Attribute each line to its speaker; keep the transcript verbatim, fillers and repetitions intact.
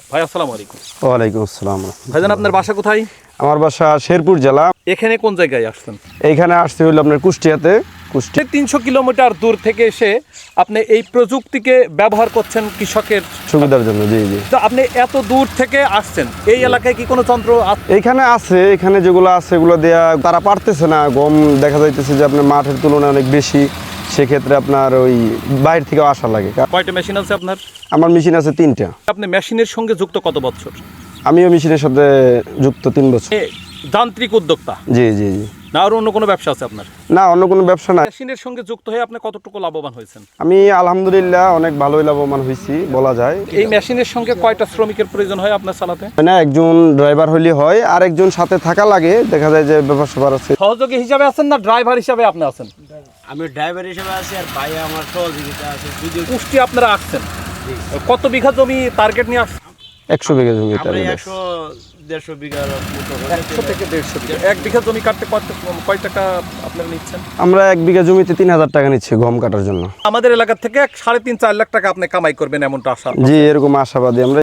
Speaker 1: ভাই আসসালামু আলাইকুম।
Speaker 2: ওয়ালাইকুম আসসালাম।
Speaker 1: ভাইজান আপনার বাসা কোথায়?
Speaker 2: আমার বাসা শেরপুর জেলা।
Speaker 1: এখানে কোন জায়গায় আসছেন?
Speaker 2: এইখানে আসতে হইলো আপনার কুষ্টিয়াতে। কুষ্টিয়া
Speaker 1: তিনশো কিলোমিটার দূর থেকে এসে আপনি এই প্রযুক্তিকে ব্যবহার করছেন কৃষকের
Speaker 2: সুবিধার জন্য। জি জি।
Speaker 1: তো আপনি এত দূর থেকে আসছেন, এই এলাকায় কি কোনো যন্ত্র আছে?
Speaker 2: এইখানে আছে, এখানে যেগুলো আছে এগুলো দেয়া তারা পারতেছে না। গম দেখা যাইতেছে যে আপনার মাঠের তুলনায় অনেক বেশি, সেক্ষেত্রে আপনার ওই বাইরে থেকে আসা লাগে।
Speaker 1: কয়টা মেশিন আছে আপনার?
Speaker 2: আমার মেশিন আছে তিনটা।
Speaker 1: আপনি মেশিনের সঙ্গে যুক্ত কত বছর?
Speaker 2: আমিও মেশিনের সাথে যুক্ত তিন বছর।
Speaker 1: এ, যান্ত্রিক উদ্যোক্তা
Speaker 2: জি জি জি।
Speaker 1: না আর অন্য কোনো ব্যবসা আছে আপনার?
Speaker 2: না, অন্য কোনো ব্যবসা না।
Speaker 1: মেশিনের সঙ্গে যুক্ত হয়ে আপনি কতটুকু লাভবান হয়েছেন?
Speaker 2: আমি আলহামদুলিল্লাহ অনেক ভালোই লাভবান হয়েছি বলা যায়।
Speaker 1: এই মেশিনের সঙ্গে কয়টা শ্রমিকের প্রয়োজন হয় আপনার চালাতে?
Speaker 2: না, একজন ড্রাইভার হলে হয়, আর একজন সাথে থাকা লাগে। দেখা যায় যে ব্যাপার স্যাপার আছে।
Speaker 1: সহযোগী হিসাবে আছেন না ড্রাইভার হিসাবে আপনি আছেন?
Speaker 3: আমি ড্রাইভার হিসেবে আছি আর ভাই আমার সহযোগিতা আছে। যদি
Speaker 1: পুষ্টি আপনারা আসছেন, কত বিঘা জমি টার্গেট নিয়ে আসছেন?
Speaker 2: একশো বিঘা জমি।
Speaker 3: আমরা একশো দেড়শো বিঘার মতো হবে।
Speaker 1: একশো থেকে দেড়শো বিঘা। এক বিঘা জমি কাটতে কত কয় টাকা আপনারা নিচ্ছেন?
Speaker 2: আমরা এক বিঘা জমিতে তিন হাজার টাকা নিচ্ছি গম কাটার জন্য।
Speaker 1: আমাদের এলাকা থেকে এক সাড়ে তিন চার লাখ টাকা আপনি কামাই করবেন এমনটা আশা।
Speaker 2: জি, এরকম আশাবাদী আমরা।